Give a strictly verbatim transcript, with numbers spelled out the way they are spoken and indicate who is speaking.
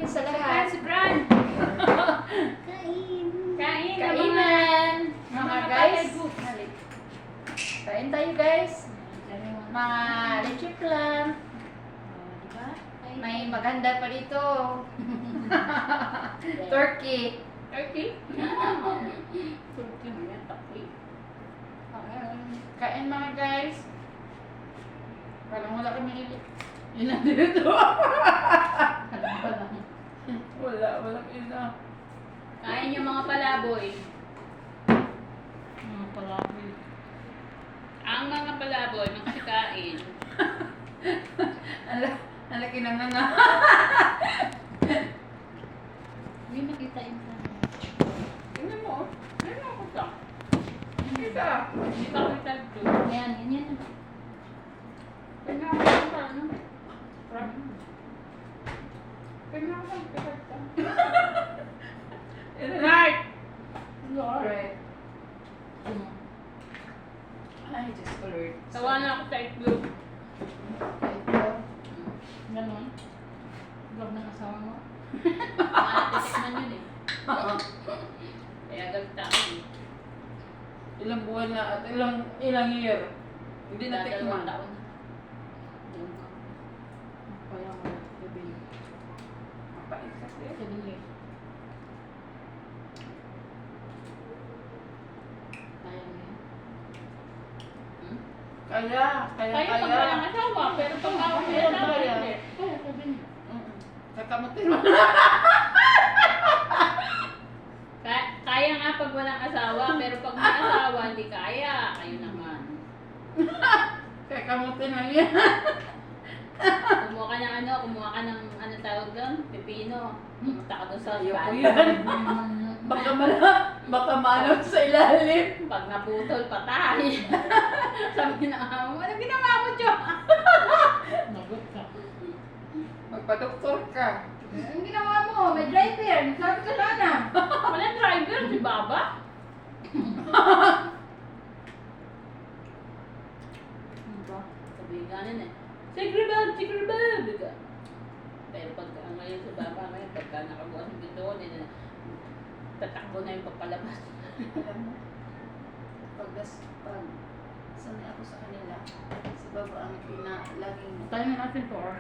Speaker 1: Sa lahat.
Speaker 2: Si Bran.
Speaker 1: Kain.
Speaker 2: Kain.
Speaker 1: Kainan. Mga guys.
Speaker 2: Group.
Speaker 1: Kain tayo guys. Mga leche plan.
Speaker 2: Diba?
Speaker 1: May maganda pa dito. Turkey.
Speaker 2: Turkey? Turkey mo yan, takli.
Speaker 1: Kain mga guys. Parang wala kami ilit.
Speaker 2: Yun na dito.
Speaker 1: Wala, walang ina.
Speaker 2: Kain yung mga palaboy.
Speaker 1: Mga palaboy.
Speaker 2: Ang mga palaboy, magsikain.
Speaker 1: Ala, alaki na nga nga.
Speaker 2: Hindi makita yung sana.
Speaker 1: Tingnan mo.
Speaker 2: Ano ako sa?
Speaker 1: Kita.
Speaker 2: Hindi ka kita ito.
Speaker 3: Ayan, ganyan.
Speaker 1: Tingnan mo sa ano. Tingnan mo sa kita.
Speaker 2: Right!
Speaker 1: Right. Ay, just alert.
Speaker 2: Tawa na ako sa itlog.
Speaker 1: Ito.
Speaker 3: Ganon. Vlog ng asawa mo.
Speaker 2: Matitikman yun eh. Kaya gagta ako eh.
Speaker 1: Ilang buwan na at ilang ilang year. Hindi na
Speaker 2: Dalawang
Speaker 1: tikman.
Speaker 2: taon na.
Speaker 3: Kaya mo na. Sabi niyo.
Speaker 1: Mapait kasi.
Speaker 3: Sabi niyo. Kaya mo yan.
Speaker 2: Hmm?
Speaker 1: Kaya, kaya,
Speaker 2: Kaya pag walang asawa, pero pag ako may
Speaker 1: Kaya,
Speaker 2: asawa,
Speaker 1: kaya.
Speaker 2: hindi.
Speaker 3: Kaya sabi niyo.
Speaker 1: Mm-mm. Kakamutin mo.
Speaker 2: Kaya, kaya nga pag walang asawa, pero pag may asawa, hindi kaya. Kayo naman.
Speaker 1: Kakamutin mo yan.
Speaker 2: Kumuha ka ng ano, kumuha ka ng ano tawag doon? Pipino. Pumunta ka doon sa
Speaker 1: Ayoko
Speaker 2: ban.
Speaker 1: yan. Baka mala, baka malot sa ilalim.
Speaker 2: Pag naputol, patay. Sabi na amo mo, ano ginawa mo, Jo?
Speaker 3: Nagot ka.
Speaker 1: Magpa-doktor ka.
Speaker 3: Ang ginawa mo, may driver. Sabi ka sana.
Speaker 2: Walang driver, si Baba.
Speaker 3: Diba?
Speaker 2: Sabi nga nun eh. Sigri ba? Sigri ba? Biga. Pero pag uh, ngayon sa Baba, ngayon, pagka nakabukas ng pinto ko, nila, tatakbo na yung pagpalabas.
Speaker 1: Alam mo, pag, pag sanay ako sa kanila, si Baba ang pina, laging
Speaker 3: Tayo na natin to.